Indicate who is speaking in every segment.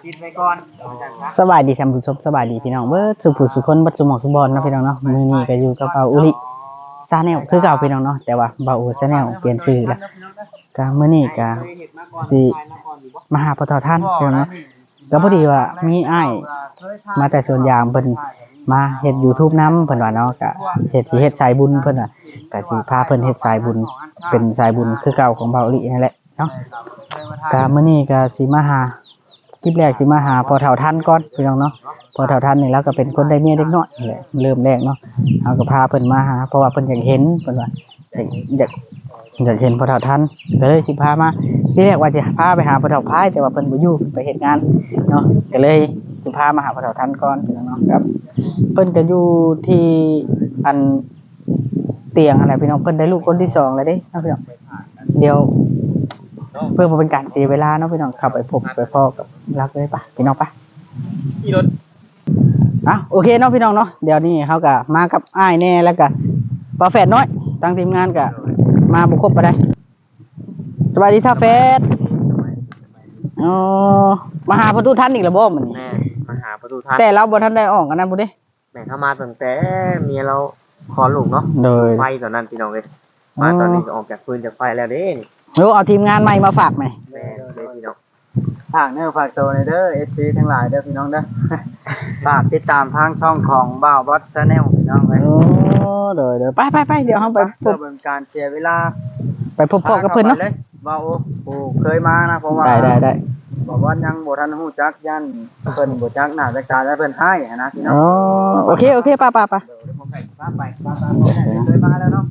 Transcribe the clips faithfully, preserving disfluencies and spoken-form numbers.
Speaker 1: ติดไว้ก่อน
Speaker 2: สบายดีท่านผู้ชมสบายดีพี่น้องเบิดสุผู้สุคนบัดสุหมอกสุบอลเนาะพี่น้องเนาะมื้อนี้ก็อยู่กับเบาอุลิซาแนลคือเก่าพี่น้องเนาะแต่ว่าเบาอุซาแนลเปลี่ยนชื่อแล้วก็มื้อนี้ก็สิมาหาพ่อเฒ่าท่านพี่น้องเนาะก็พอดีว่ามีอ้ายมาแต่สวนยางเพิ่นมาเฮ็ด YouTube นำเพิ่นว่าเนาะก็เฮ็ดสิเฮ็ดสายบุญเพิ่นน่ะก็สิพาเพิ่นเฮ็ดสายบุญเป็นสายบุญคือเก่าของเบาอุลินั่นแหละเนาะก็มื้อนี้ก็สิมาหาคลิปแรกสิมาหาพอเฒ่าท่านก่อนพี่น้องเนาะพอเฒ่าท่านนี่แล้วก็เป็นคนได้เมียเด็กน้อยนี่แหละเริ่มแรกเนาะเอาก็พาเพิ่นมาหาเพราะว่าเพิ่นอยากเห็นเพิ่นว่าอยากอยากเห็นพอเฒ่าท่านก็เลยสิพามาที่แรกว่าจะพาไปหาพอเฒ่าพายแต่ว่าเพิ่นบ่อยู่ไปเฮ็ดงานเนาะก็เลยสิพามาหาพอเฒ่าท่านก่อนพี่น้องเนาะครับเพิ่นก็อยู่ที่อันเตียงอะไรพี่น้องเพิ่นได้ลูกคนที่สองแล้วเด้เนาะพี่น้องเดี๋ยวเพื่อมาเป็นการเสียเวลาเนาะพี่น้องขับไปพบไปพ่อกับรักเลยปะพี่น้องปะขี่รถอ่ะโอเคเนาะพี่น้องเนาะเดี๋ยวนี้เขาก็มากับอ้ายแน่แล้วก็ปลาแฝดน้อยตั้งทีมงานก็มาบุกครบไปได้สวัสดีท่าแฝดอ๋อมาหาประตูท่านอีกแล้วบ่มัน
Speaker 1: แม่มาหาประตูท่าน
Speaker 2: แต่เราบ่ทันได้ออกกันนั่นบุเด้
Speaker 1: แม่เข้ามาตั้งแต่เมียเราคอลูกเนาะไฟตอนนั้นพี่น้องเลยมาตอนนี้ออกจากปืนจากไฟแล้วเด้
Speaker 2: โอ้เอาทีมงานใหม่มาฝากไหม
Speaker 1: แม่เลยพี่น้อง
Speaker 3: ฝากเนื้อฝากตัวในเด้อเอฟซีทั้งหลายเด้อพี่น้องเด้อ ฝากติดตามทางช่องของบ่าวบอสชาแนลพี่น้องเลย
Speaker 2: โอ้เดี๋ยวเดี๋ยวไปไปไปเดี๋ยวเราไป
Speaker 3: เพื่อเป็นการเสียเวลา
Speaker 2: ไปพบพ่อกับเพิ่นเนาะ
Speaker 3: บ่าวโอ้เคยมานะเพราะว่า
Speaker 2: ได้ได้ได้
Speaker 3: บอกว่ายังบ่ทันฮู้จักยันเพิ่นบ่จักหน้าจักตาแล้วเพิ่นให้นะพี่น้อง
Speaker 2: อ๋อโอเคโอเคป้าป้าป้า
Speaker 3: ไปป้าเคยมาแล้วเนาะ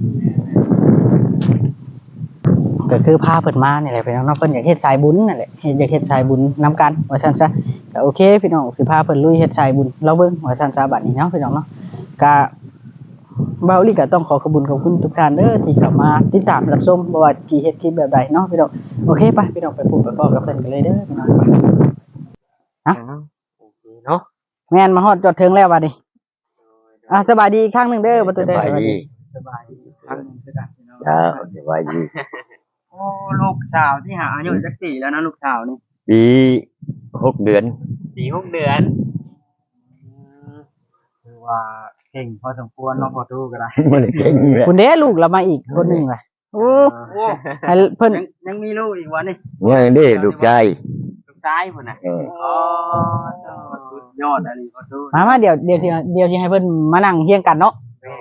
Speaker 2: ก็คือพาเพิ่นมานี่แหละพี่น้องเนาะเพิ่นอยากเฮ็ดสายบุญนั่นแหละเฮ็ดอยากเฮ็ดสายบุญนำกันว่าซั่นซะก็โอเคพี่น้องสิพาเพิ่นลุยเฮ็ดสายบุญเราเบิ่งว่าซั่นซะบัดนี้เนาะพี่น้องเนาะก็เบาลี่ก็ต้องขอขอบคุณขอบคุณทุกท่านเด้อที่เข้ามาติดตามรับชมบ่ว่าสิเฮ็ดคลิปแบบใดเนาะพี่น้องโอเคไปพี่น้องไปพบกับพ่อกับเพิ่นกันเลยเด้อพี่น้องฮะ
Speaker 1: โอเคเนาะ
Speaker 2: แม่นมาฮอดจอดถึงแล้วบัดนี้อ่ะสบายดีอีกครั้งนึงเด้อบ่ตื่นเด้อ
Speaker 4: สบายดี
Speaker 3: สบายดีครั้งนึงคือกันพี่น้อง
Speaker 4: จ้าสบายดี
Speaker 3: โอ้ลูกสาวที่หาอายุจักปีแล้วนะลูกสาวนี่
Speaker 4: ปีหกเดือน
Speaker 1: ปีหกเดือน
Speaker 3: คือว่าเก่งพอสมควรเนาะพอตู้ก็ได้
Speaker 4: มันเก่งเลย
Speaker 2: คุณเด้ลูกเรามาอีกคนนึงล่ะโอ้ให้เพิ่น
Speaker 3: ยังมีลูกอีกวันนี่
Speaker 4: ยังได้ลูกชาย
Speaker 1: ลูกชายพุ่นน่ะ
Speaker 3: อ๋อสุดยอดอันนี้พอตู้
Speaker 2: มามาเดี๋ยวเดี๋ยวเดี๋ยวสิให้เพิ่นมานั่งเฮียงกันเนาะ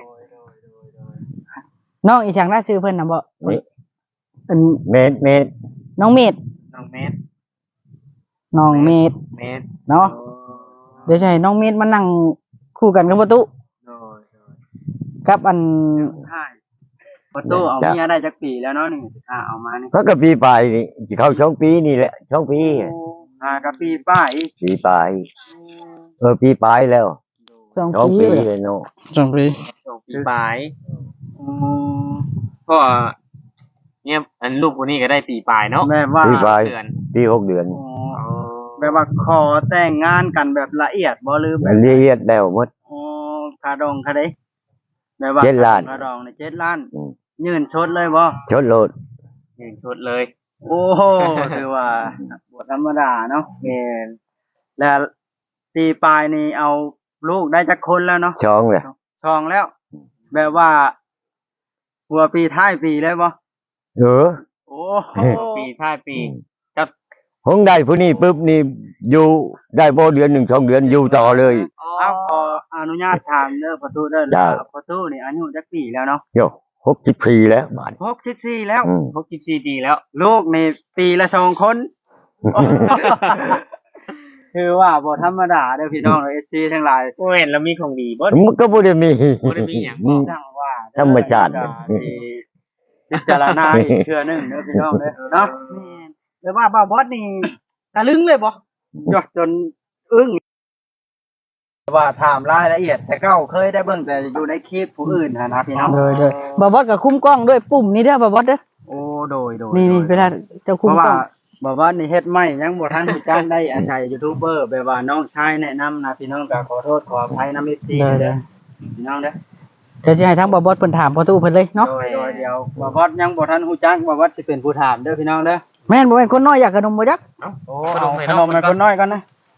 Speaker 2: น้องอีช่างน่าชื่อเพิ่นน่ะบ่เป็น
Speaker 4: เมดเมด
Speaker 2: น้องเมด
Speaker 1: น้องเมด
Speaker 2: น้องเมด
Speaker 1: เมด
Speaker 2: เนาะเดี๋ยวจะให้น้องเมดมานั่งคู่กันกับประตูกับอัน
Speaker 3: ประตูเอาเมียได้จักปีแล้วเนาะนี่อ่าเอามานี่
Speaker 4: ก็กับปีปลายนี่จะเข้าช่องปีนี่แหละช่องปี
Speaker 3: อ่ากับปีป้าย
Speaker 4: ปีปลายเออปีปลายแล้ว
Speaker 2: สองปี
Speaker 4: เลยเนาะ
Speaker 2: สองปี
Speaker 1: สองปีปลายอืมก็เนี่ยอันลูกคนนี้ก็ได้ปีปลายเนาะ
Speaker 3: แม่ว่า
Speaker 4: ปีปลายปีหกเดือน
Speaker 3: แบบว่าขอแต่งงานกันแบบละเอียดบ่ลืม
Speaker 4: ละเอียดแล้วหมด
Speaker 3: อ๋อคาดองคาเด้แบบว่า
Speaker 4: เจ็ดล้าน
Speaker 3: คาดองในเจ็ดล้านยืนชดเลยบ่
Speaker 4: ชดโลด
Speaker 1: ยืนชดเลย
Speaker 3: โอ้โหคือว่าบ่ธรรมดาเนาะแม่นแล้วปีปลายนี่เอาลูกได้จักคนแล้วเนาะ
Speaker 4: ช่องเลย
Speaker 3: ช่องแล้วแบบว่าหัวปีท้ายปีเลยบ่
Speaker 4: เออ
Speaker 3: โอ้
Speaker 1: ปีท้ายปีจัก
Speaker 4: ห้องได้ผู้นี้ปุ๊บนี่อยู่ได้บ่เดือนหนึ่งสองเดือนอยู่ต่อเลย
Speaker 3: เอาขออนุญาตถามเด้อประตูเด้อประตูนี่อายุจักปีแล้วเนาะ
Speaker 4: โยหกสิบสี่แล้วบาด
Speaker 3: หกสิบสี่แล้ว
Speaker 1: หกสิบสี่ปีแล้ว
Speaker 3: ลูกนี่ปีละสองคนคือว่าบ่ธรรมดาเด้อพี่น้องเอฟซีทั้งหลาย
Speaker 1: บ่เห็นแล้วมีของดีบ่
Speaker 4: มันก็บ่ได้มี
Speaker 1: บ่ได้มีหยัง
Speaker 3: จังว่า
Speaker 4: ธรรมชาติ
Speaker 3: พิจารณาอีกเทื่อนึงเด้อพี่น้องเด้อเนาะแม่นแล้วว่าบ่าวบอสนี่ตะลึงเลยบ่ยอดจนอึ้งว่าถามรายละเอียดแต่เก้าเคยได้เบิ่งแต่อยู่ในคลิปผู้อื่นหั่นนะพี่น้อง
Speaker 2: เด้อๆบ่าวบอสก็คุ้มกล้องด้วยปุ่มนี้เด้อบ่าวบอสเด้อ
Speaker 3: โอ้โดยๆ
Speaker 2: นี่ๆเวลาเจ้าคุ้มกล้อง
Speaker 3: บ่าวบอสนี่เฮ็ดใหม่ยังบ่ทันรู้จักได้อาศัยยูทูบเบอร์แบบว่าน้องชายแนะนำนะพี่น้องก็ขอโทษขออภัยนำ เอฟ ซี เด้อพี่น้องเด้อ
Speaker 2: เดี๋ยวสิให้ทั้งบ่าวบอสเพิ่นถามประตูเพิ่นเลยเนาะ
Speaker 3: โดยๆเดี๋ยวบ่าวบอสยังบ่ทันรู้จักบ่าวบอสสิเป็นผู้ถามเด้อพี่น้องเด้อ
Speaker 2: แม่นบ่แม่นคนน้อยอยากขนมบ่จัก
Speaker 3: โอ้เอาขนมให้คนน้อยก่อนนะ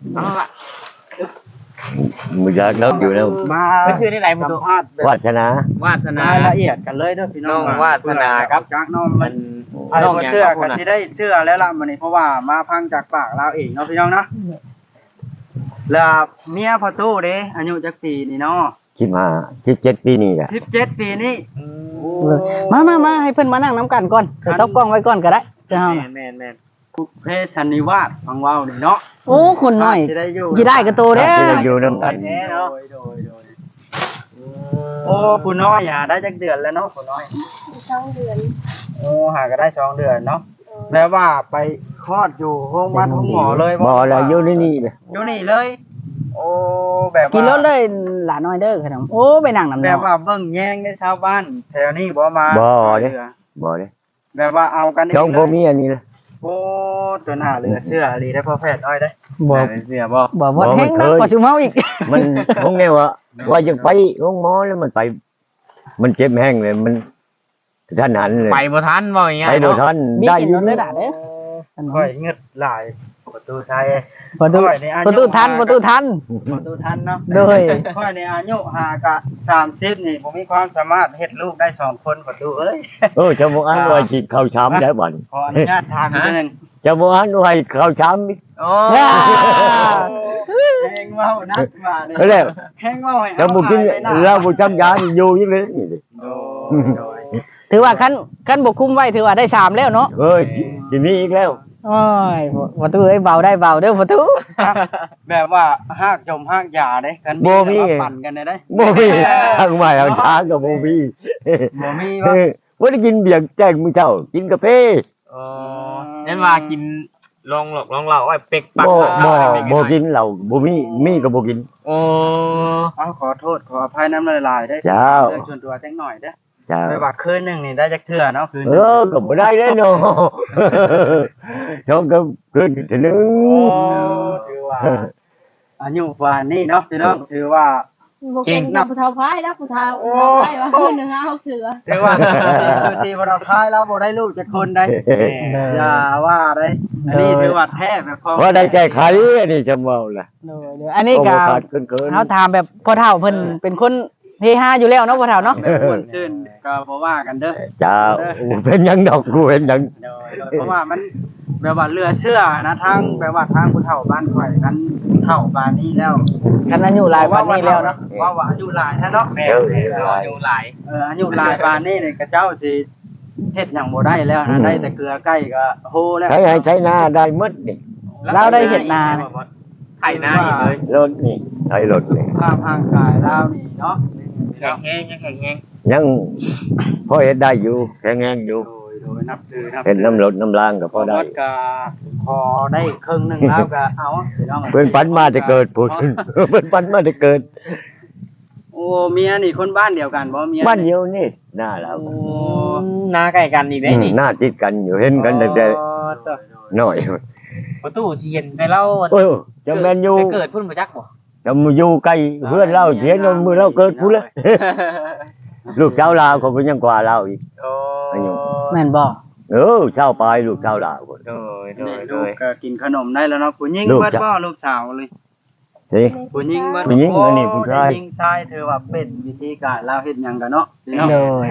Speaker 1: เอาล่ะ
Speaker 4: มือยากเลิกอยู่แล้ว
Speaker 3: มา
Speaker 1: เป็นชื่อนี่ไหนประ
Speaker 3: สั
Speaker 1: ตู
Speaker 3: มภาษณ์แบบ
Speaker 4: วาสนาว
Speaker 1: าสนาร
Speaker 3: ายละเอียดกันเลยเด้อพี่น้อง
Speaker 1: น้องวาสนาครับ
Speaker 3: จากน้อง
Speaker 1: มั
Speaker 3: มัน น ไอ้บ่เชื่อก็สิได้เชื่อแล้วล่ะมื้อนี้เพราะว่ามาพังจากปากเราเองเนาะพี่น้องเนาะแล้วเมียพ่อตู้เด้อายุจักปีนี่เนาะ
Speaker 4: คิดมาคิดเจ็ดปีนี่แหละ
Speaker 3: สิบเจ็ดปีนี่
Speaker 2: มามามาให้เพิ่นมานั่งน้ำกันก่อนเดี๋ยวต้องกล้องไว้ก่อนก็ได้เจ้า
Speaker 1: แม่นแม่นแม่น
Speaker 3: คุกเพศสันนิวาสฟังเว้านี่เนาะ
Speaker 2: โอ้คนน้อย
Speaker 3: สิได้อยู่
Speaker 2: กี่ได้กระโตเด้อ
Speaker 4: ที่เราอยู่น้ำกัน
Speaker 3: แท้เนาะโดยโดยโอ้ผู้น้อยหาได้จักเดือนแล้วเนาะผู้น้อย
Speaker 5: สองเดือน
Speaker 3: โอ้หาก็ได้สองเดือนเนาะแปลว่าไปคลอดอยู่โรงพยาบาลของหมอเลย
Speaker 4: บ่อะไรอยู่ในนี่เลย
Speaker 3: อยู่นี่เลย โอ้แบบ
Speaker 2: กินร
Speaker 3: ว่า
Speaker 2: ถเลยหลานน้อยเด้อขนมโอ้ไปนั่งน้ำ
Speaker 3: แบ
Speaker 2: น้
Speaker 3: บว่าเบิ่งแย่งในชาวบ้านแถวนี้บ่มา
Speaker 4: บ่
Speaker 3: ช่วย
Speaker 4: เด้
Speaker 3: เหลือ
Speaker 4: บ่เลย
Speaker 3: แบบว่าเอากัน
Speaker 4: ช่อง
Speaker 3: เล
Speaker 4: บ่
Speaker 3: ย
Speaker 4: มีอันนี้เลย
Speaker 3: โอ้จนหาเหลือเชื่อดีได้พ่อแพทย์น้อยได้
Speaker 2: บ่
Speaker 1: เสียบ่
Speaker 2: บ่บ่แห้งนักกว่าชุมเฮาอีก
Speaker 4: มันคงแน่ว่าว่าจะไปโรงหมอแล้วมันไป มันเจ็บแห้งเลยมันท่านหันเลย
Speaker 1: ไปบ่ทันบ่อย่างเงี้ย
Speaker 4: ไปบ่ทัน
Speaker 2: มี
Speaker 4: ได้
Speaker 2: กิน
Speaker 4: อยู่
Speaker 2: รถได้
Speaker 4: นี่
Speaker 2: ด่าเด้อ
Speaker 3: ค่อยเงึดหลายประตูชัย
Speaker 2: ประตู
Speaker 3: ค่อยในอายุ
Speaker 2: ประตูทันประตูทัน
Speaker 3: ประตูทันเนาะ
Speaker 2: โดย
Speaker 3: ค่อยในอายุหากะสามสิบนี่ผมมีความสามารถเฮ็ดลูกได้สองคนประตูเอ้ย
Speaker 4: เออจะบ่อันว่าสิเข้าช้ำได้บ่น
Speaker 3: ขออนุญาตถามนิดนึง
Speaker 4: จะบ่อันว่าเข้าช้ำอีก
Speaker 1: โอ้
Speaker 2: ย่า
Speaker 3: แห้งเมานักมาเลย
Speaker 4: ก็แล้ว
Speaker 3: แห้งเมาให้
Speaker 4: จะบ่กิน
Speaker 3: อายไปหน้
Speaker 4: เราบ่จำยานี่อยู่อยู่เลยนี่ดิ
Speaker 3: โดยโดย
Speaker 2: ถือว่าคันคันบ่คุมไว้ถือว่าได้สามแล้วเนาะ
Speaker 4: เอ้ยสิมีอีกแล้ว
Speaker 2: โอ้ยประตูเอ้ยเบาได้เบาเด้อประตู
Speaker 3: แบบว่าหากจมหากยาเด้กัน
Speaker 4: บ่มี
Speaker 3: แต่ว่าปั่นกันได้เด้
Speaker 4: บ่มีทางใหม่เอาช้าก็บ่มี
Speaker 3: บ่มี
Speaker 4: เอ
Speaker 3: ว่า
Speaker 4: อบ่ได้กินเบียร์แจ้งมื้อเช้ากินกาแฟ
Speaker 1: อ๋อนั่นว่ากินลองหลอกลองเหล่าไอ้เป็กปัก
Speaker 4: บ่
Speaker 1: ข้าว
Speaker 4: บ่
Speaker 1: อะไร
Speaker 4: บ่กินเหล้าบ่มีมีก็บ่กิน
Speaker 1: โอ้
Speaker 3: เอาขอโทษขออภัยน้ำลายๆได้
Speaker 4: เจ้า
Speaker 3: เรื่องส่วนตัวจังหน่อยเด้อ
Speaker 4: จ้า
Speaker 3: ไปว่าคืนหนึงนี่ได้จักเทื่อเนาะคืนห
Speaker 4: เอ
Speaker 3: นึ่ง
Speaker 4: อก็บ่ได้แล้วเนาะ ชอบก็เกินถึงนึง
Speaker 3: โอ้ถือว่าอายุกว่านี่เนาะพี่น้องถือว่า
Speaker 5: บ่เก่งกับผู้เฒ่าพายแล้วผู้เฒ่า
Speaker 3: โอ้
Speaker 5: ผู้เฒ่าพายว่าคืนหนึงเอาเถือ
Speaker 3: ถือว่าคือที่บ่เราคายแล้วบ่ได้ลูกจักคนได้อย่าว่าได้อันนี้ถือว่าแท้แบบของ
Speaker 4: ว่าได้แก้ไขอันนี้จะเมาล่ะ
Speaker 2: โดยโดยอันนี้ก็
Speaker 4: โขาดเกินเกิน
Speaker 2: เฮาถามแบบพ่อเฒ่าเพิ่นเป็นคนเฮฮาอยู่แล้วเนาะพ่อเฒ่าเนาะ
Speaker 3: แบบม่วนชื่นก็บ่ว่ากันเด้อ
Speaker 4: จ้าเป็นหยังดอกกูเป็นหยัง
Speaker 3: โดยโดยเพราะว่ามันแบบว่าเหลือเชื่อนะทางแบบว่าทางผู้เฒ่าบ้านข่อยกันเฒ่าบ้านนี้แล้ว
Speaker 2: คันอายุหลายปานนี้แล้วเนาะ
Speaker 3: ว่าว่าอายุหลายแท้เนาะ
Speaker 1: แม่แม่เราอยู่หลาย
Speaker 3: เอออายุหลายบ้านนี้เนี่ยกระเจ้าสิเฮ็ดหยังบ่ได้แล้วนะได้แต่เกลือใกล้ก็โหแล้ว
Speaker 4: ใช้ให้ใช้หน้าได้หมดนี่
Speaker 2: เราได้เห็ดนาเนี่ย
Speaker 1: ไถนาอีกเลย
Speaker 4: รถนี่ใช้รถนี่
Speaker 3: ภาพร่างกายเรานี่เนาะ
Speaker 1: แข็งแห้งยังแข็งแห้ง
Speaker 4: ยังพอเฮ็ดได้อยู่แข็งแรงอยู่
Speaker 3: โดยโดยนับถือนับ
Speaker 4: เห็นน้ำรถน้ำล่างก็พอได้
Speaker 3: วัก็พอได้ครึ่งหนึงแล้วก็เอาพี่น้อง
Speaker 4: เพิ่นปันมาจะเกิดพูด เพิ่นปันมาจะเกิด
Speaker 3: โอ้เมียนี่คนบ้านเดียวกันบ่เมีย
Speaker 4: บ้านเดียวนี่หน้าเรา
Speaker 3: โอ้
Speaker 1: นาใกล้กันอีกได้นี่
Speaker 4: หน้าติดกันอยู่เห็นกันตั้งแต่
Speaker 3: อ๋อต่อ
Speaker 4: น้อย
Speaker 1: ประตูเทียนไปเล่า
Speaker 4: โอ้ยจะแม่นอยู่
Speaker 1: ไปเกิดพุ่นบ่จักบ่
Speaker 4: จะมาอยู่ใกล้เพื่อนเราเสียนนมือเราเกิดพูดเลย ลูกเจ้าลาวเขาก็ยังกว่าเราอีก
Speaker 3: โอ้
Speaker 4: อายุ
Speaker 2: แม่นบ่
Speaker 4: เออเจ้าปลายลูกเจ้าลาวคน
Speaker 1: โดยโด
Speaker 3: นี่
Speaker 1: ยโด
Speaker 3: ลูก
Speaker 1: ย
Speaker 3: ก็กินขนมได้แล้วเนาะผู้หญิง
Speaker 4: ลูก
Speaker 3: เบิด
Speaker 4: จะ
Speaker 3: บ่ลูกสาวเลย
Speaker 4: สิ
Speaker 3: ผู้หญิงเบิด
Speaker 4: ผู้หญิงอันนี้ผู้ชาย
Speaker 3: ผู้หญิงชายเธอว่าเป็นวิธีการเราเฮ็ดหยังกันเนาะพี่น้อง
Speaker 2: โดย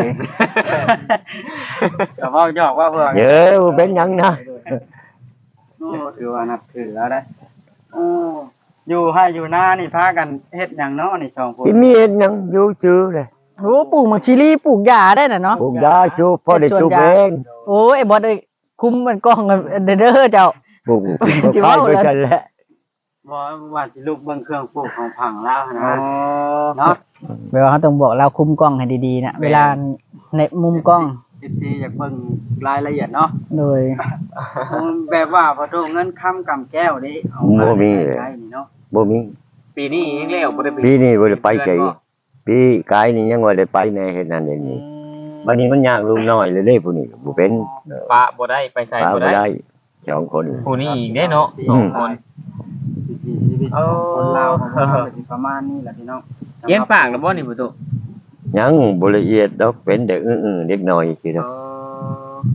Speaker 3: ก็เว้าหยอกว่าเพื่อ
Speaker 4: เยอะเป็นหยังนะ
Speaker 3: โอ้ถือว่านับถือแล้วได้โอ้อยู่ให้อยู่หน้านี่พากันเฮ็ดหยังเนาะนี่สองคน
Speaker 4: ที่มีเห็นหยังอยู่ชื่อเลย
Speaker 2: โอ้ปลูกมักชิลีปลูกหญ้าได้น่ะเนาะ
Speaker 4: ปลูกยาชูพ่อได้ชูเอง
Speaker 2: โอ้ยไอ้บอสเอ้ยคุมมันกล้องเด้อเด้อเจ้า
Speaker 4: ปลูก
Speaker 2: จิ
Speaker 4: ก็
Speaker 2: ว่า
Speaker 4: ขาย
Speaker 2: เลย
Speaker 4: ไปกันแหละ
Speaker 3: บ่ว่าสิลูกเบิ่งเครื่องปลูกของผังแล้ว
Speaker 1: อ๋
Speaker 3: นะ
Speaker 1: อ
Speaker 3: เนาะ
Speaker 2: แปลว่าเขาต้องบอกเราคุมกล้องให้ดีๆนะเวลาในมุมกล้อง
Speaker 3: สิบสี่อยากเบิ่งรายละเอียดเนาะ
Speaker 2: โดย
Speaker 3: แบบว่าพอโทเงินค้ำกำแก้วนี่เอามาใช้นี่เนาะ
Speaker 4: บ่มี
Speaker 1: ปีนี้ยังแล้วบ่ได้ไป
Speaker 4: ปีนี้บ่ได้ไปไกลปีกายนี่ยังว่าได้ไปแน่เฮ็ดนั่นเฮ็ดนี่บัดนี้มันยากลุงน้อยเลยเด้ผู้นี้บ่เป็น
Speaker 1: ปะบ่ได้ไปใส่
Speaker 4: ปา
Speaker 1: บ่
Speaker 4: บ่
Speaker 1: ได้
Speaker 4: ได้สองคน
Speaker 1: ผู้นี้อีกได้เนาะสองคน
Speaker 3: วิถีชีวิตของคนลาวของเราก็สิประมาณนี้แหละพี่น้อง
Speaker 1: เย็นปากแล้วบ่นี่ประตู
Speaker 4: ยังบ่ละเอียดดอกเป็นเด็กอื้อๆเด็กน้อยคือ
Speaker 1: เอ
Speaker 4: เนาะ
Speaker 1: อ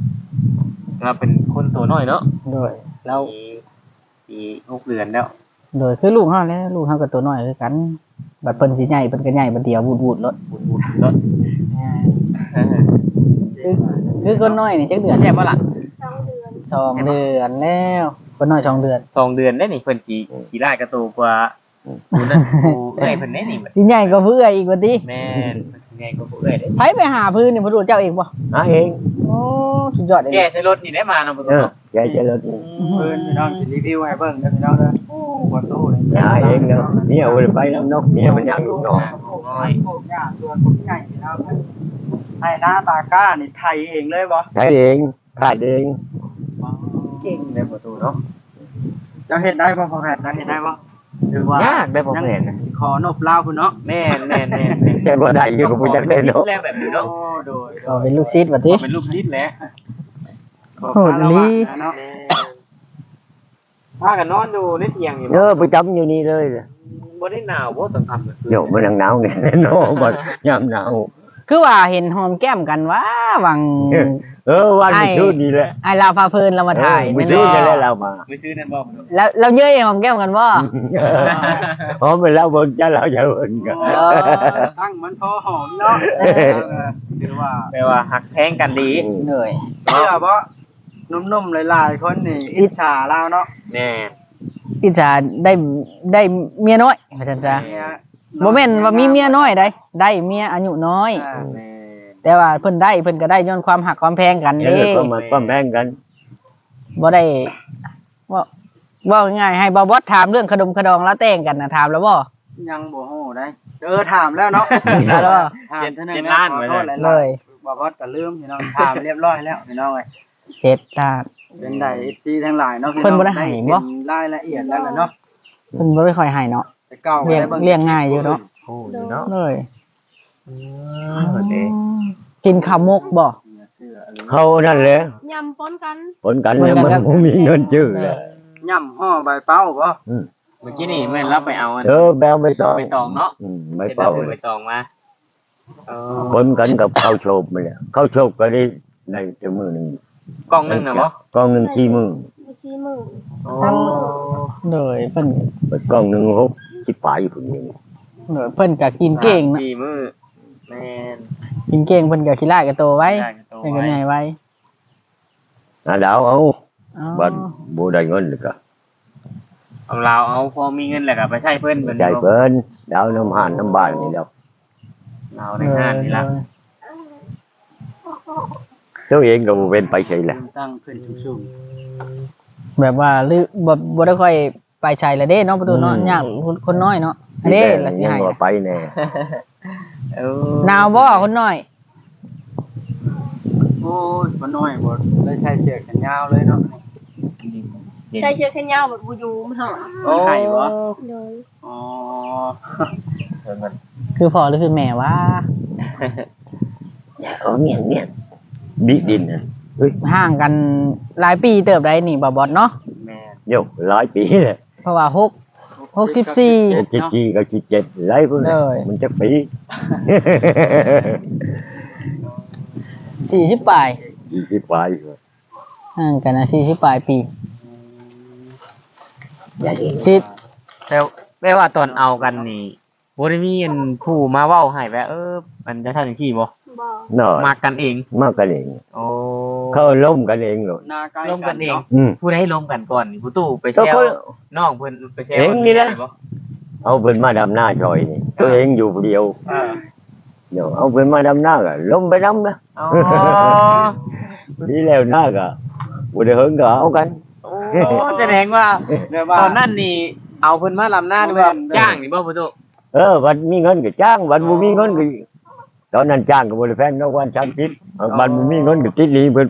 Speaker 1: เราเป็นคนตัวน้อยเนาะ
Speaker 2: โดย
Speaker 1: เราปีปีหกเดือนแล้ว
Speaker 2: โดยคือลูกเฮาแหล้วลูกเฮาก็ตัวน้อยคือกันบัดเพิ่นสิใหญ่เพิ่นก็ใหญ่บัดเดียววูดๆรถ
Speaker 1: บุญบุญรถ
Speaker 2: คือคือคนน้อยนี่จักเดือนแซ่บบ่ล่ะ
Speaker 5: สองเดือน
Speaker 2: สองเดือนแล้วคนน้อยสองเดือน
Speaker 1: สองเดือนได้นี่เพิ่นสิขี่ได้กระตูกว่าผู้นั่นผู้เอ้ยเพิ่นได้นี่
Speaker 2: สิใหญ่กว่าผู้เอื้อยอีกว่าติ
Speaker 1: แม่นไงก็ผู้เอ้ยได้
Speaker 2: ไผไปหาพื้นนี่บ่รู้เจ้าเองบ่
Speaker 4: หาเอง
Speaker 2: โอ้สุดยอดเลย
Speaker 1: แกใช้รถนี่ได้มาเนาะบ่
Speaker 4: เอ
Speaker 1: ตู้
Speaker 4: อแกจะรถ
Speaker 3: เพิ่นพี่น้องสิรีวิวให้เบิ่งเด้อพี่น้องเด้อบ่ตู้เลย
Speaker 4: หาเองเนาะเมียเอาไปน้ำนกเมียมันยังลูกน้อง
Speaker 3: น้อยพวกหญ้าส่วนพวกใหญ่พี่น้องให้หน้าตาก้านี่ไทยเองเลยบ่
Speaker 4: ใช้เองขาดเอง
Speaker 1: เก่งได้บ่ตู้เนาะ
Speaker 3: เจ้าเฮ็ดได้บ่พอแพทย์เจ้าเฮ็ดได้บ่หรือว่าย
Speaker 1: ากได้บ่แม่นนะ
Speaker 3: ขอนบลาวพุ่นเนาะ
Speaker 1: แม่นแม่นแม่นแม่น
Speaker 4: ใช่บ่ได้อยู่กับผู้จักได้เนาะ
Speaker 1: แล้วแบบนี้
Speaker 3: โอ้
Speaker 1: เนาะ
Speaker 3: โดย
Speaker 2: ก็เป็นลูกศิษย์ว่าติ
Speaker 1: เป็นลูกศิษย์แหละ
Speaker 2: โหดอีหลี
Speaker 3: เนาะ
Speaker 1: พากันนอนอยู่ในเตียงอยู่
Speaker 4: เออประจำอยู่นี่เลย
Speaker 1: บ่ได้หนาวบ่ต้องทำ
Speaker 4: โยมมันหนาวเนี่ยเนาะบ่ยามหนาว
Speaker 2: คือว่าเห็นหอมแก้มกันว่าวัง
Speaker 4: เออวันนี้ชื่อนี่แหละ
Speaker 2: ไอ้ลาวพาเพลินเรามาถ่าย
Speaker 4: ไม่
Speaker 2: แม่น
Speaker 4: รู้
Speaker 2: บ่
Speaker 4: จะได้เรามา
Speaker 1: ไม่ซื้อนั่นบ่
Speaker 2: แล้วเราเย้ยหอมแก้มกันบ่
Speaker 4: หอมไปแล้วบนจะเราจะเอินกัน
Speaker 3: เออตั้งมันพอหอมเนาะหรือว่า
Speaker 1: แปลว่าหักแพงกันดี
Speaker 2: เหนื่อย
Speaker 3: เชื่อบ่นุ่มๆหลายๆคนนี่อิจฉาเราเนาะ
Speaker 1: แน่
Speaker 2: ที่จะได้ได้เมียน้อยว่าซั่นจ้ะบ่แม่นว่ามีเมียน้อยได้ได้เมียอายุน้อย
Speaker 3: อ่า
Speaker 1: แน่
Speaker 2: แต่ว่าเพิ่นได้เพิ่นก็ได้ย้อนความหักความแพงกัน
Speaker 4: เอ
Speaker 2: เด้
Speaker 4: อก็มาปั้มแพงกัน
Speaker 2: บ่ได้ว่าว่าง่ายๆให้บ่าวบอสถามเรื่องขนมขดองแล้วแต่งกันน่ะถามแล้วบ่
Speaker 3: ยังบ่ฮู้ได้เออถามแล้วเนาะ
Speaker 2: ถามแล้วบ่
Speaker 3: ถามเท่านั้น
Speaker 1: เจ็ด
Speaker 3: นะ
Speaker 1: ล้าน
Speaker 3: ขอ
Speaker 1: ไว้
Speaker 3: โทษห
Speaker 1: เล
Speaker 3: ลาย
Speaker 1: ย
Speaker 2: เลย
Speaker 3: ๆบ่บอสก็ลืมพี่น้องถามเรียบร้อยแล้วพี่น้องเอ้ย
Speaker 2: เจ็ดล้าน
Speaker 3: เป็นได้ เอฟ ซี ทั้งหลายเนาะพี่
Speaker 2: เพิ่
Speaker 3: น้
Speaker 2: น
Speaker 3: อง
Speaker 2: บ่ได้ให้บ่
Speaker 3: เห็นรายละเอียดแล้วล่ะเนาะ
Speaker 2: เพิ่นบ่ได้ค่อยให้เนาะ
Speaker 3: แต่เก่า
Speaker 2: เลี้ยง
Speaker 3: ได้บิ่
Speaker 2: เลี้ยงง่ายอยู่เนาะ
Speaker 1: โอ้ยเนาะ
Speaker 2: เลย
Speaker 1: อืมโอเค
Speaker 2: กินข้าวมกบ่
Speaker 3: เสื้ออะไร
Speaker 4: เขานั่นแหละ
Speaker 5: ยำป้นกัน
Speaker 4: ผลกันเนี่ยมันบ่มีเงินจื้อเลย
Speaker 3: ย่ำห่อใบเป้าบ่
Speaker 1: เมื่อกี้นี่แม่นเราไปเอาอัน
Speaker 4: เออแบวไม่ต้อง
Speaker 1: ไปตองเนาะ
Speaker 4: อืมไม่
Speaker 1: เห็น
Speaker 4: เป่า
Speaker 1: เราไปตองมาเออ
Speaker 4: ผลกันกับข้าวโชบมาเนี่ยข้าวโชบก็ได้ได้จะมือหนึ่ง
Speaker 1: กล่องหนึงน่ะบ่
Speaker 4: กล้องหนึ่งที่มือ
Speaker 5: มีสี่หมื่น
Speaker 1: โอ้
Speaker 2: เลยเพิ่น
Speaker 4: กล้องหนึ่งหกสิบปลายอยู่คนนี้
Speaker 2: เลยเพิ่นก็กินเก่งนะ
Speaker 1: สี่มื้อแม่น
Speaker 2: กินเก่งเพิ่นก็ขี้ร้ายกับโตไว้
Speaker 1: ได้ก็โต
Speaker 2: เพิ่นก็
Speaker 1: ไว้
Speaker 2: ใหญ่ไว้
Speaker 4: อ่ะดาวเอา
Speaker 2: อ๋อ
Speaker 4: บัดบ่ได้เงินเลยก็
Speaker 1: เอาเราเอาพอมีเงินแล้วก็ไปใช้เพิ่นเพิ่น
Speaker 4: ใจเพิ่นดาวน้ำห่านน้ำบ้านนี่แล้ว
Speaker 1: เราในห้างนี่ล่ะ
Speaker 4: ตัวเองก็บ่เป็นไปใช่แหละ
Speaker 3: ตั้งขึ้นสูง
Speaker 2: แบบว่าหรือบ่บ่ได้ค่อยไปใช้ละเด้เนาะประตูเนาะยากคนน้อยเนาะอันนี้ละสิ
Speaker 4: ยัง
Speaker 2: ให้
Speaker 4: ว่าไปแน่
Speaker 1: เออ
Speaker 2: หนาวบ่คนน้อย
Speaker 3: ๆโอ้ยบ่น้อยบ่ได้ใช้เสื้อแขนยาวเลยเนาะ
Speaker 5: ใส่เชือกแขนยาวแบบบูยูมันหอม
Speaker 3: โอ้ไข่บ่
Speaker 5: เลย
Speaker 3: อ๋อ
Speaker 2: คือพ่อหรือคือแม่วะ
Speaker 4: เออเมียนเมียนบิดินน่ะเฮ้ย
Speaker 2: ห่างกันหลายปีเติบได้นี่บ่บอดเนาะ
Speaker 1: แม่
Speaker 4: โยหลายปีเลย
Speaker 2: เพราะว่าหก หกสิบสี่
Speaker 4: จิตจีก็จิตเจ็ดหลายพุ่น
Speaker 2: เลย
Speaker 4: มันจะปี
Speaker 2: สี่สิบปลาย
Speaker 4: ยี่สิบปลาย
Speaker 2: ห่างกันนะสี่สิบปลายปี
Speaker 4: อย่าเห็น
Speaker 2: สิ
Speaker 1: แต่แม่ว่าตอนเอากันนี่บ่ได้มีอันผู้มาเว้าให้ว่าเออมันจะทำจังซี่บ่
Speaker 5: บอก
Speaker 4: เนาะ
Speaker 1: มากันเอง
Speaker 4: มากกันเอง
Speaker 1: โอ้
Speaker 4: เขาล้มกันเองเลย
Speaker 3: หน้าใกล้
Speaker 1: ร่วมกันเอง
Speaker 3: เนาะ
Speaker 4: อืม
Speaker 1: ผู้ใดล้มกันก่อนนี่ผู้ตู้ไป
Speaker 4: ก็
Speaker 1: แซว
Speaker 4: เขา
Speaker 1: น้องเพิ่นไปแซว
Speaker 4: เองนี่แหละ
Speaker 1: บ่
Speaker 4: เอาเพิ่นมาดำหน้าชอยนี่ตัวเองอยู่ผู้เดียว
Speaker 1: เออ
Speaker 4: เดี๋ยวเอาเพิ่นมาดำหน้าก็ล้มไปดำนะ
Speaker 1: อ๋อ
Speaker 4: ดีแล้วหน้าก็บ่ได้เฮิงก็เอากัน
Speaker 1: โอ้แสดงว่า
Speaker 3: เรียกว่า
Speaker 1: ตอนนั้นนี่เอาเพิ่นมาลำหน้าด้วยจ้างนี่บ่ผู้ตู้
Speaker 4: เออวันมีเงินก็จ้างวันบ่มีเงินก็ตอนนั้นจ้างก็บ่ได้แพงเนาะวันสามสิบวันบ่มีเงินก็ติดหนี้เพิ่นไป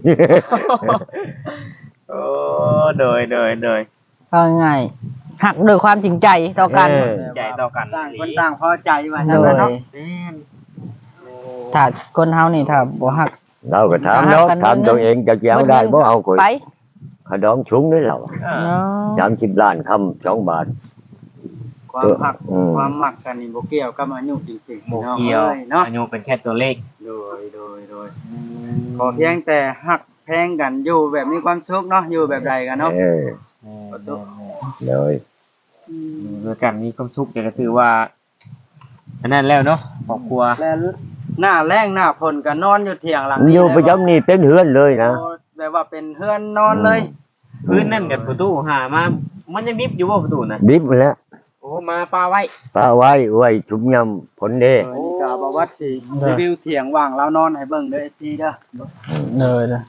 Speaker 1: โอ้โดยโดยโดย
Speaker 2: เอาง่ายๆหักโดวยความจริงใจต่อกัน
Speaker 4: เออ
Speaker 1: ใจต่อกัน
Speaker 3: ต่างคนต่างพอใจว่า
Speaker 2: โด
Speaker 3: ซั่น
Speaker 2: ย
Speaker 3: เนาะ
Speaker 1: อืม
Speaker 2: ถ้าคนเฮานี่ถ้าบ่หัก
Speaker 4: เราก็ถามเนาะถามตัวเองจะเอาได้บ่เอาข่อย
Speaker 2: ไป
Speaker 4: ขดองชุงนี่เรา
Speaker 1: เออ
Speaker 2: เนาะ
Speaker 4: สามสิบล้านคำสองบาท
Speaker 3: ความหัก
Speaker 4: อืม
Speaker 3: ความหมักกันนี่บ่เกี่ยวกับอายุจริงๆ
Speaker 1: โม
Speaker 3: พี่น้อง
Speaker 1: เกียว
Speaker 3: อ้เนาะ
Speaker 1: อายุเป็นแค่ตัวเลข
Speaker 3: โดยโดยโดยขอเพียงแต่หักแพงกันอยู่แบบมีความสุขเนาะอยู่แบบใดกันเนาะ
Speaker 4: เออเลย
Speaker 1: ด้วยกันมีความสุขก็ถือว่าอันนั้นแล้วเนาะครอบครัว
Speaker 3: แล้วหน้าแรงหน้าฝนก็นอนอยู่เถียงหลัง
Speaker 4: อยู่ประจำนี่เป็นเฮือนเลยนะ
Speaker 3: โอ้แบบว่าเป็นเฮือนนอนเลย
Speaker 1: พื้นนั่นกับประตูหามามันยังดิบอยู่บ่ประตูน่ะ
Speaker 4: ดิบหมดแล้ว
Speaker 1: โอ้มาปลาไว้
Speaker 4: ปลาไว้ไว้ชุบยำผลเด้
Speaker 3: โอ้นี่ก็บ่วัดสิรีวิวเถียงว่างเรานอนให้เบิ่งเด้อ เอฟ ซี เด้อ
Speaker 2: เลยเลย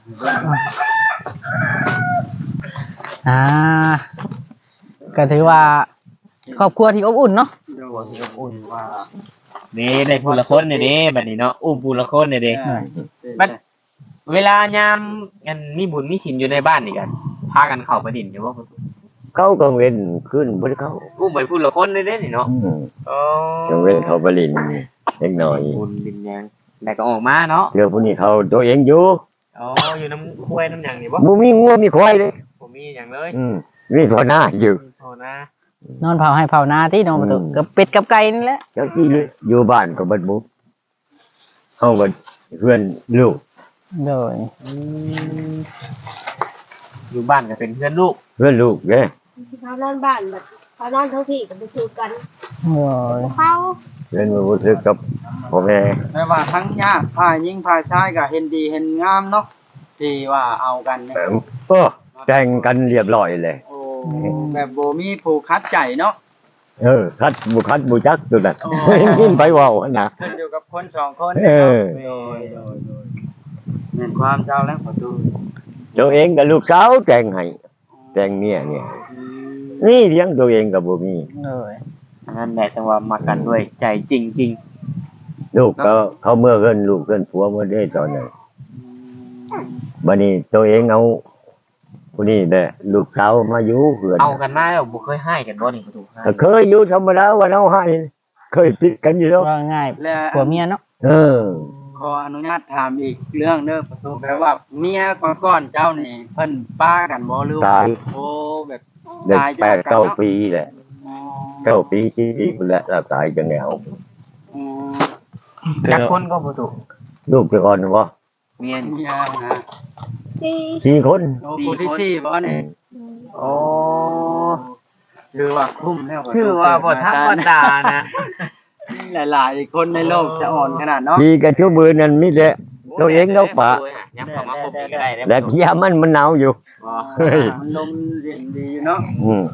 Speaker 2: อ่าก็ถือว่าครอบครัวที่อบอุ่นเนาะ
Speaker 3: ดูสิอุ่นว่า
Speaker 1: นี่ได้ผู้ละคนนี่เด้บัดนี้เนาะอุ้มผู้ละคนนี่เด้ บัด เวลายามกันมีบุญมีศีลอยู่ในบ้านนี่กันพากันเข้าไปดินอยู่บ่ประตู
Speaker 4: เขาก็เว้นขึ้นบ่ได้เข้า
Speaker 1: อุ้มไปผู้ละคนนี่เด้นี่เนาะ
Speaker 4: อืม
Speaker 1: อ๋อ
Speaker 4: จังเว้นเขาไปลินเล็กน้อย
Speaker 1: บุญดินยังแล้วก็ออกมาเนาะ
Speaker 4: เดี๋ยวผู้นี้เขาตัวเองอยู่
Speaker 1: อ๋ออยู่น้ำห้วยน้ำหยังนี่บ่
Speaker 4: บ่มีงัวมีควายเลย
Speaker 1: ผมมีหยังเลย
Speaker 4: อืมมีพอหน้าอยู่
Speaker 1: โทษนะ
Speaker 2: นอนเผาให้เผานาที่นอนประตู
Speaker 4: อืม
Speaker 2: กับเป็ดกับไก่นี่แหละ
Speaker 4: เจ้าจี้เลยอยู่บ้านก็เบิดหมุเฮาก็เพื่อนลูก
Speaker 2: โดย
Speaker 1: อืมอยู่บ้านก็เป็นเพื่อนลูก
Speaker 4: เพื่อนลูกเด้
Speaker 5: เขานอนบ้านแบบเขานอนทั้งที่ก็ไปคือกัน
Speaker 2: โดย
Speaker 5: เขา
Speaker 4: เพื่อนบ่รู้สึกกับพ่อแม่
Speaker 3: แม่ว่าทั้งญาติฝ่ายหญิงฝ่ายชายก็เห็นดีเห็นงามเนาะที่ว่าเอากันเนี่ย
Speaker 4: โอ้แต่งกันเรียบร้อยเลย
Speaker 3: โอ้แบบบ่มีผู้คัดใจเนาะ
Speaker 4: เออคัดบ่คัดบ่จักตัวนั้น
Speaker 3: โอ้
Speaker 4: ยินไปเว้าหั่นน่ะ
Speaker 3: ขึ้นอยู่กับคนสองคน
Speaker 4: เออ
Speaker 3: โดยโดยโดยแม่นความเจ้าแล้วขอดู
Speaker 4: ตัวเองกับลูกสาวแต่งให้แต่งเมียเนี่ยนี่เลี้ยงตัวเองก็บ่มี
Speaker 2: โดย
Speaker 1: อันนั้นแหละจังว่ามากันด้วยใจจริง
Speaker 4: ลูกก็เขาเมื่อเกินลูกเกินผัวเมื่อได้ตอนนั้นบัดนี้ตัวเองเอาผู้นี้แหละลูกสาวมาอยู่เพื่อน
Speaker 1: ๆ เอากันมาแล้วบ่เคยให้กันบ่นี่ประตูให้
Speaker 4: เคยอยู่ธรรมดาว่าเอาให้เคยติดกันอยู่แล้ว
Speaker 2: ว่าง่าย
Speaker 3: และ
Speaker 2: ผัวเมียเนาะ
Speaker 4: เออ
Speaker 3: ขออนุญาตถามอีกเรื่องเด้อประตูแปลว่าเมียก่อนๆเจ้านี่เพิ่นป้ากันบ่หรือว่า
Speaker 4: ตาย
Speaker 3: โอ้แบบ
Speaker 4: ได้
Speaker 3: ตาย
Speaker 4: แป
Speaker 3: จาก
Speaker 4: ด
Speaker 3: กัน
Speaker 4: เก้า
Speaker 3: เนาะ
Speaker 4: ปีแหละ
Speaker 3: อ๋อ
Speaker 4: เก้าปีที่ปีแล้วแล้วตายจังแนว
Speaker 3: อืม
Speaker 1: จักคนก็ประตู
Speaker 4: ลูกจะก่อนบ่
Speaker 1: เมียน
Speaker 3: เมียนะ
Speaker 5: สี่
Speaker 4: สี่คน
Speaker 3: โอ้ผู้ที่สี่บ่นี่
Speaker 1: โอ้
Speaker 3: คือว่าคุ้มแล้วประตู
Speaker 1: คือว่าบ่ธรรมดานะ
Speaker 3: หลายๆคนในโลกจะอ่อนขนาดเนาะ
Speaker 4: ที่กันชั่วมือนั้นมีแต่ตัวเองเราปะ
Speaker 1: ยังเข้ามาคบกันก็ได้
Speaker 4: และที่มันมันหนาวอยู่
Speaker 1: บ่
Speaker 4: เฮ้ย
Speaker 3: มันลมเย็นดีอยู่เนาะ
Speaker 4: อืม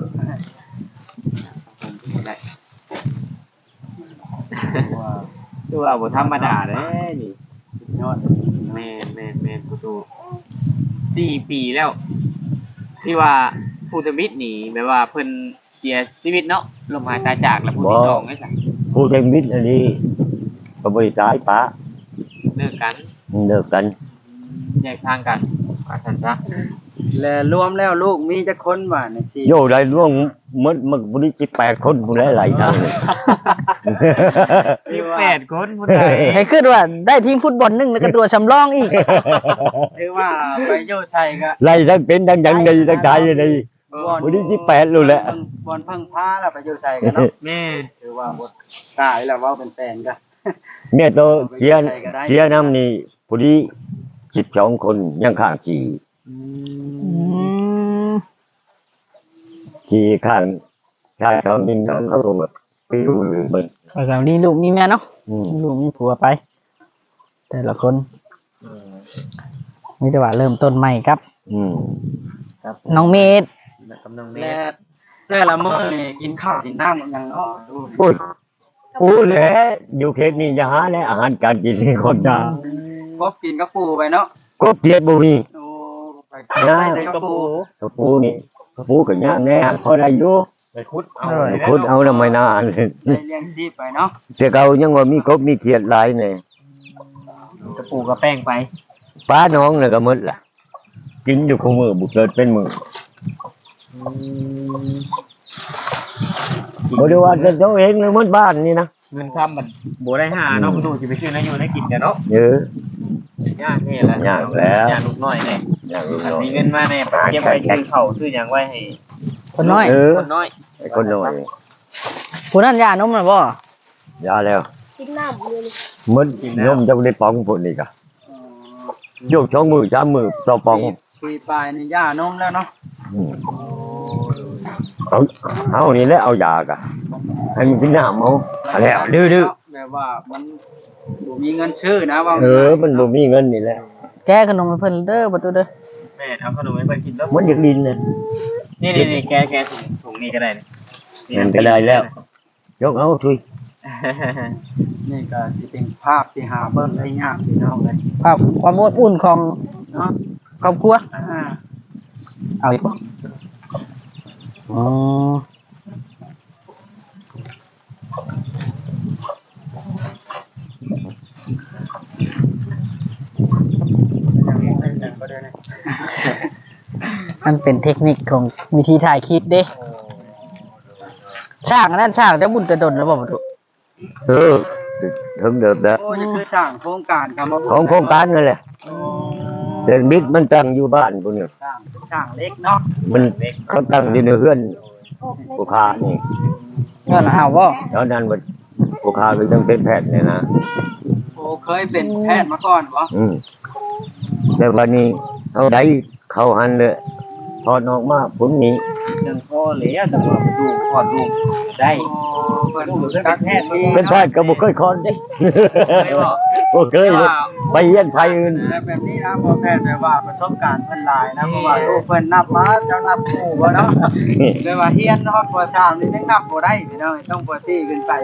Speaker 3: ว่า
Speaker 1: คือว่าบ่ธรรมดาเด้นี่
Speaker 3: ยอด
Speaker 1: แม่นแม่นแม่นประตูสี่ปีแล้ว ที่ว่าผู้ทวิตนี่แปลว่าเพิ่นเสียชีวิตเนาะลมหายตายจากแล้วผู้ที่สองไอ้สัส
Speaker 4: ผู้เป็นมิตรอันนี้ก็บริตายปะ
Speaker 1: เลิกกัน
Speaker 4: เลิกกัน
Speaker 1: แยกทางกันว่าซั่นซะ
Speaker 3: และรวมแล้วลูกมีจักคนว่าในสี่
Speaker 4: โยได้ร่วงมดมันบริจิแปดคนผู้หลายๆทางเลย
Speaker 1: สิบแปดคนผู้ใด
Speaker 2: ให้ขึ้นว่าได้ทีมฟุตบอลหนึ่งแล้วก็ตัวสำรองอีก
Speaker 3: ถือว่าไปอยู่ใส่ก็
Speaker 4: ไล่ทั้งเป็นทั้งยังดีทั้งตายเลยบริจิแปดรู้แหละ
Speaker 3: บอลเพิ่งพาแล้วไปอยู่ใส่กันเนาะ
Speaker 1: แม่
Speaker 3: ถือว่าบ่ตายแล้วเว้าเป็นแฟนกัน
Speaker 4: เนี่ยตัวเชียร์เชียร์น้ำนี่ผู้ที่สิบสองคนยังข้างขี่
Speaker 2: อืม
Speaker 4: ขี่ข้างข้างเขาดินเขาเขาลงแบบไปดูเบิ่ง
Speaker 2: แล้วก็นี่ลูกมีเมียเนาะ
Speaker 4: อืม
Speaker 2: มีลูกมีผัวไป แต่ละคนมีแต่ว่าเริ่มต้นใหม่ครับ
Speaker 4: อืม
Speaker 1: ครับ
Speaker 2: น้องเมธ
Speaker 1: กำลังเม
Speaker 3: และ
Speaker 1: ต
Speaker 3: แต่ละมื้อนี่กินข้าวกินน้ำยังเนาะดู
Speaker 4: พูดพูดแหละอยู่เขตนี้จะหาและอาหารการกินนี่คนจะ
Speaker 3: กบกินกับปูไปเนาะ
Speaker 4: ก็เกลียดบุมี
Speaker 3: โอ้ไปได้แต่กับปู
Speaker 4: กระปูนี่กระปูกับย่างแน่พอได้อยู่
Speaker 1: ไปคุดเอา
Speaker 4: คุดเอาทำไมนาน
Speaker 3: ได้เลี้ยงชีพไปเนาะ
Speaker 4: แต่เขายังว่ามีกบมีเขียดหลายเนี่ย
Speaker 1: กระปูกระแป้งไป
Speaker 4: ป้าน้องเนี่ยก็หมดล่ะ กินอยู่คู่มือบุกเกิดเป็นมือบ่ได้ว่าจะตัวเองเลยหมดบ้านนี่นะ
Speaker 1: เงินคำมันโบได้หาเนาะประตูสิไปซื้อนะอยู่ได้กินกันเนาะ
Speaker 4: เยอะ
Speaker 1: ยากแน่แล้ว
Speaker 4: ยากแล้ว
Speaker 1: ยากลูกน้อยแน่
Speaker 4: อย่างนี้
Speaker 1: อัน
Speaker 4: เนาะ
Speaker 1: มีเงินมาแน่เก็บไว้ซื้อเขาซื้อหยังไว้ให้
Speaker 2: คนน้อย
Speaker 4: เออ
Speaker 1: คนน้อย
Speaker 4: ไอ้คนน้อย
Speaker 2: คนนั้นยานมนะบ่
Speaker 4: ยาแล้ว
Speaker 5: กินน้ำเลย
Speaker 4: หมดนมจะได้ปองผลอีกอ่ะโยกช่องมือสามมือต่อปอง
Speaker 3: ปีปลายนี่ย่านมแล้วเนาะ
Speaker 4: อืมเอาเอานี่แหละเอายากะให้มันกินน้ำเอาเอาแล้วดื้อ
Speaker 3: แบบว่ามันบ่มีเงินซื้อนะว่า
Speaker 4: ๆเออมันบ่มีเงินนี่แหละ
Speaker 2: แก้ขนมให้เพิ่นเด้อประตูเด้อ
Speaker 1: แม่เอาขนมให้เพิ่นกินแล้ว
Speaker 4: มันอยากดินน่ะ
Speaker 1: นี่นี่ๆแกแกถุงถุงนี้ก็ได้นี่
Speaker 4: มันก็ได้แล้ว ยกเอาทุย
Speaker 3: นี่ก็สิเป็นภาพที่หาเบิ่งได้ยากพี่น้องเลย
Speaker 2: ภาพความอบอุ่นของ
Speaker 3: เนาะ
Speaker 2: ครอบครัว
Speaker 3: อ่า
Speaker 2: เอาอีกบ่อ๋อ มันเป็นเทคนิคของวิธีถ่ายคลิปเด้ช่างอันนั้นช่างจะบุญจะดนแล้วบ่ประตู
Speaker 4: เออถึงเดิมแล้ว
Speaker 3: โอ้ยคือสร้างโครงการคำว่า
Speaker 4: ของโครงการนั่นแหละเดินบิดมันตั้งอยู่บ้านพวกนี้
Speaker 3: สร้างสร้างเล็กเนาะ
Speaker 4: มันเขาตั้งอยู่ในเฮือนผู้ค้านี่
Speaker 2: เงินเอาบ่
Speaker 4: ตอนนั้นมันผู้ค้าก็ยังเป็นแพทย์เนี่ยนะ
Speaker 3: โอ้เคยเป็นแพทย์มาก่อนบ่
Speaker 4: อืมแต่วันนี้เอาได้เข้าหันเลยพอดออกมาผลนี้
Speaker 1: จังพ่อแล้วแต่ว่าดูคลอดลูกได้
Speaker 3: โอ้เพิ่นเป็นแพทย์ที่
Speaker 4: เป็นแพทย์ก็บ่เคยคอนเด้
Speaker 1: ไม่บอก
Speaker 4: บ่เคยเลยไปเยี่ยนไผอื่น
Speaker 3: แต่แบบนี้นะพอแพทย์แปลว่าประสบการณ์เพิ่นหลายนะเพราะว่าลูกเพิ่นนับมาเจ้านับคู่บ่เนาะแปลว่าเฮียนเนาะปสามนี่ยังนับบ่ได้พี่น้องต้องปสี่ขึ้นไป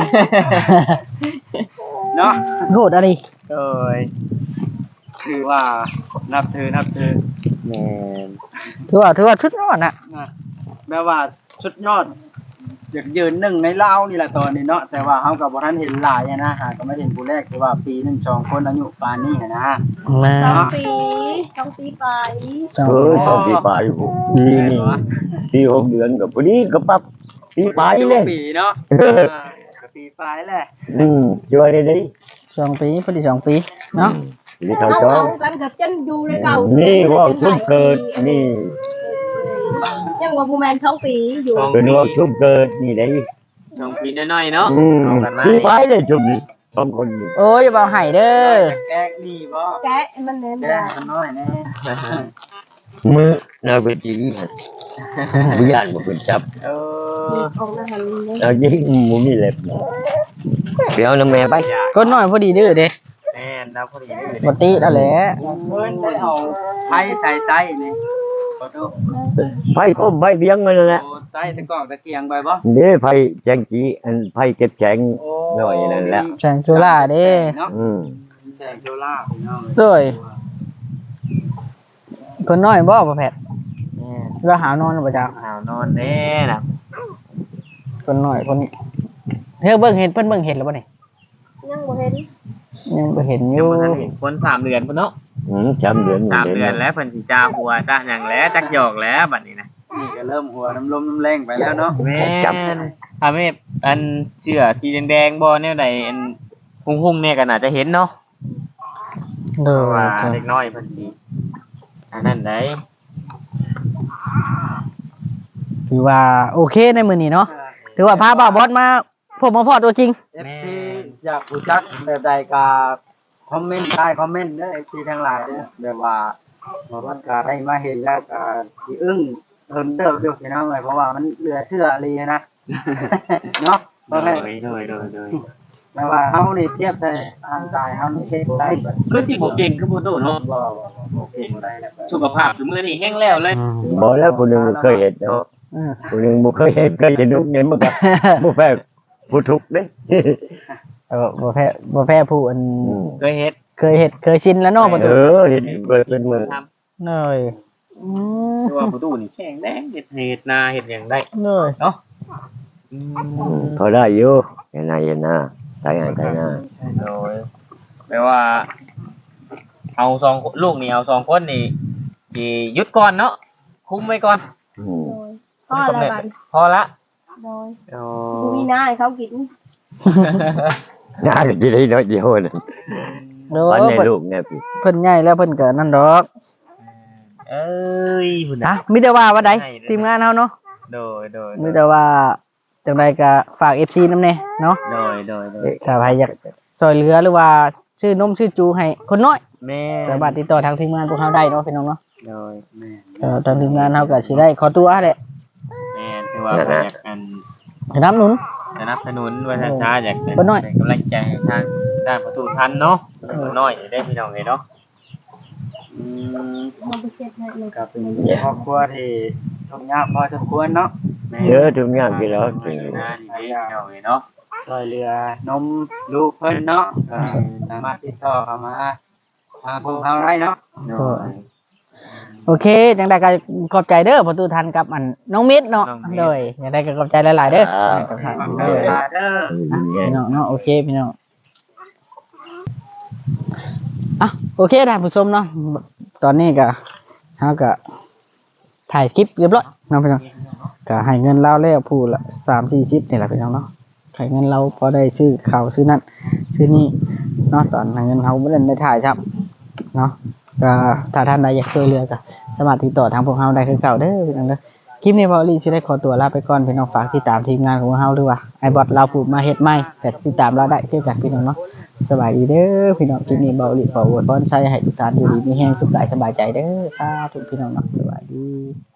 Speaker 3: เนาะ
Speaker 2: โหดอะไร
Speaker 1: โอ้ย
Speaker 3: คือว่านับถือนับถือ
Speaker 1: แม่น
Speaker 2: ถือว่าถือว่าชุดยอดน่ะ
Speaker 3: นะแปลว่าสุดยอดอยากยืนหนึ่งในลาวนี่แหละตอนนี้เนาะแต่ว่าเฮาก็บ่ทันเห็นหลายอะนะหาก็ไม่เห็นผู้แรกคือว่าปีหนึงสองคนอายุปานนี้อะนะ
Speaker 2: มา
Speaker 5: สองปีสองปีไป
Speaker 4: เออสองปีปลายอยู่ปีนี้ปีหกเดือนก็พอดีก็ปั๊บปีปลายเลย
Speaker 3: ปีเนาะ
Speaker 4: เออ
Speaker 3: อ่าก็ปีปลายแหละ
Speaker 4: อืมช่วยได้ดิ
Speaker 2: สองปีพอดีสองปีเนาะ
Speaker 4: นี่เขา
Speaker 5: เอา
Speaker 4: จ้อง
Speaker 5: เอากันกับจันอยู่ในเก่า
Speaker 4: นี่
Speaker 5: นี่
Speaker 4: ว่าชุบเกิดนี่
Speaker 5: ยังว่าผู้แมนสองปีอยู่
Speaker 4: เป็นว่าชุบเกิดนี่ได้
Speaker 1: สองปีน้อยๆเนาะ
Speaker 4: อืม
Speaker 1: เอากันมา
Speaker 4: ปีปลายเลยชุบนี่สองคนนี่
Speaker 2: โอ้ยอย่าเบาไห้เด้อ
Speaker 3: แกกดีบ่
Speaker 5: แกะมันเน้น
Speaker 3: แก
Speaker 5: ได้
Speaker 3: กมันน้อยแน่
Speaker 4: มือนาเวทีวิญญาณบ่เป็นจับ
Speaker 3: เออ
Speaker 5: ของอาหารนี่
Speaker 4: เอายิงหมูมีเล็บเดี๋ยวน้ำแม่ไป
Speaker 2: ก็น้อยพอดีเด้อเด้
Speaker 1: แม่นแล้วพอดีเลย
Speaker 2: บ่ติแล้วแหละ
Speaker 3: เพิ่นได้เอาไผ่ใส่ไต้นี่ขอโทษ
Speaker 4: ไฟก้มไฟเบี้ยงนั่นแหละ
Speaker 3: โอ้ไต้ตะกอกตะเกียงไปบ่
Speaker 4: เด้ไฟแจงจีอันไฟเก็บแข็ง
Speaker 3: โอ้
Speaker 4: หน่อยนั่นแหละ
Speaker 2: แสงจุฬาเด้
Speaker 3: เนาะ
Speaker 4: อืม
Speaker 3: แสงโซล่าร์พี่น้อง
Speaker 2: เด้ยคนน้อยบ่บ่แพทย์
Speaker 1: แม่น
Speaker 2: เราหาวนอนบ่จ้า
Speaker 1: อาวนอนแน่น่ะ
Speaker 2: คนน้อยคนเฮ้ยเบิ่งเห็นเพิ่นเบิ่งเห็นแล้วบ่นี่
Speaker 5: ยังบ่เห็น
Speaker 2: ยังบ่เห็นอ
Speaker 1: ยั
Speaker 2: ยู่
Speaker 1: งบ่ทันเห็นคนสามเดือนพุ่นเนาะ
Speaker 4: อืมจำเดือน
Speaker 1: สามเดือนแล้วเพิ่นสิจ้าหัวจ้าหยังแล้วจักหยอกแล้วบัดนี้นะ
Speaker 3: นี่ก็เริ่มหัวน้ำลมน้ำแรงไปแล้วเนาะ
Speaker 1: แม่นถ้าแม่อันเสื้อสีแดงๆบ่แนวใดอันหุ่งๆเนี่ยก็น่าจะเห็นเนาะ
Speaker 2: เด้
Speaker 1: เพ
Speaker 2: อ
Speaker 1: ราะว่าเด็กน้อยเพิ่นสิอันนั้นได้
Speaker 2: ถือว่าโอเคในมื้อนี้เนาะถือว่าพาบ่าวบอสมาพบมาพอตัวจริง
Speaker 3: เอฟซีอยากรู้จักแบบใดก็คอมเมนต์ใต้คอมเมนต์เด้อเอฟซีทั้งหลายเด้อแบบว่าบ่ว่าก็ได้มาเห็นแล้วก็สิอึ้งเพิ่นเติบอยู่พี่น้องเอ้ยเพราะว่ามันเหลือเชื่ออีหลีนะ เนาะ
Speaker 1: โด
Speaker 3: บ่แม่น
Speaker 1: ยโดยโดยโดย
Speaker 3: แปลว่าเฮานี่เทียบได้ร่างกายเฮานี่เฮ็ดบ่ได้บ่
Speaker 1: คือสิบ่เก่งคือบ่โตเนาะ
Speaker 3: บ่บ่เฮ็ดบ่ได้แล้ว
Speaker 1: สุขภาพซุมื้อนี้แห้งแล้วเลย
Speaker 4: บอกแล้วคนหนึ่งเคยเห็นเนาะ
Speaker 2: อือ
Speaker 4: คนหนึ่งบ่เคยเห็นเคยเห็นลูกเงินมันก็บ่แพ้ผู้ทุกข์เด้
Speaker 2: เออบ่แพ้บ่แพ้ผู้อัน
Speaker 4: อืม
Speaker 1: เคยเฮ็ด
Speaker 2: เคยเฮ็ดเคยชินแล้วเนาะประตู
Speaker 4: เออเห็นเบิดเป็นมือ
Speaker 1: ทำ
Speaker 2: เนยอืม
Speaker 1: คือว่าประตูนี่แข็งแดงเฮ็ดเฮ็ดนาเฮ็ดหยังได้
Speaker 2: เนย
Speaker 1: เนาะอื
Speaker 4: อืม
Speaker 1: ม
Speaker 4: พอได้อยู่เห็นหน้าเห็นหน้าตายหน้าตายหน้า
Speaker 1: โดยแปลว่า เอาสองลูกนี่เอาสองคนนี่สิหยุดก่อนเนาะคุมไว้ก่อน
Speaker 4: อืม
Speaker 5: โดยพ่อละบัน
Speaker 1: พอละ
Speaker 5: โดย
Speaker 1: โอ้
Speaker 5: ผู้มีหน้าให้เขากิน
Speaker 4: หน้าก็จะได้น้อยเดียวนั่น
Speaker 2: โด
Speaker 4: วัน
Speaker 2: ย
Speaker 4: ใน
Speaker 2: เพิ่น
Speaker 4: ลูกเนี่ยพี่
Speaker 2: เพิ่นใหญ่แล้วเพิ่นก็นั่นดอก
Speaker 1: เอ้ยพุ่น
Speaker 2: อ่ะ
Speaker 1: น่ะ
Speaker 2: มีแต่ว่าว่าใดทีมงานเฮาเนาะ
Speaker 1: โดยโดย
Speaker 2: มีแต่ว่าจังไดก็ฝาก เอฟ ซี นำแน่เนาะ
Speaker 1: โดยโดยโดย
Speaker 2: ถ้าใครอยากช่วยเหลือหรือว่าชื่อนมชื่อจูให้คนน้อย
Speaker 1: แม่
Speaker 2: สามารถติดต่อทางทีมงานพวกเฮาได้เนาะพี่น้องเนาะ
Speaker 1: โดย
Speaker 3: แม่น
Speaker 2: เอ่อทางทีมงานเฮาก็สิได้ขอตัวแหละ
Speaker 1: แม่นคือว่าเพิ่นอยากอัน
Speaker 2: น้ำหนุน
Speaker 1: สนับสนุนว่าท่านช้าอยากเป็น
Speaker 2: บ่น้อย
Speaker 1: เป็นกำลังใจให้ทางด้านประตูทันเนาะบ่น้อยได้พี่น้องเอ้ยเนาะ
Speaker 3: อืม
Speaker 5: มาไปเช็ดให้เลย
Speaker 3: ก็เป็นครอบครัวที่ทุกข์ยากพอสมควรเนาะ
Speaker 4: เยอะทุกอย่างที่เรา
Speaker 1: จริ
Speaker 4: กิ
Speaker 1: ง
Speaker 4: น
Speaker 1: นะนี่เด้พี่น้องเอ้ยเนาะ
Speaker 3: ช่วยเหลือนมลูกเพิ่นเนาะก็สามารถติดต่อเข้ามาทางพวกเราได้เนาะ
Speaker 2: ก็โอเคจังไดก็ขอบใจเด้อประตูทันกับอันน้องมิตรเนาะโดยจังไดก็ขอบใจหลายๆเด้อกับทาง
Speaker 3: เอ
Speaker 2: เด้
Speaker 3: อ
Speaker 2: อ
Speaker 3: เด้อ
Speaker 2: พี่น้องเนาะโอเคพี่น้องอ่ะโอเคท่านผู้ชมเนาะตอนนี้ก็เฮาก็ถ่ายคลิปเรียบร้อยเนาะพี่น้องก็ให้เงินเราแล้วผู้ละสามสี่สิบนี่แหละพี่น้องเนาะให้เงินเราพอได้ซื้อข้าวซื้อนั่นซื้อนี่เนาะตอนให้เงินเราไม่ได้ได้ถ่ายครับเนาะก็ถ้าท่านใดอยากช่วยเหลือก็สามารถติดต่อทางพวกเราได้คือเก่าเด้อพี่น้องเด้อคลิปนี้พอลีสิได้ขอตัวลาไปก่อนพี่น้องฝากติดตามทีมงานของเราด้วยว่าไอ้บอทเราพูดมาเฮ็ดใหม่แต่ติดตามเราได้คือกันพี่น้องเนาะสบายดีเด้อพี่น้องคลิปนี้เบาหลีขออวยพรใช้ให้ทุกท่านอยู่ดีมีแรงสุขกายสบายใจเด้อสาธุพี่น้องเนาะสบายดี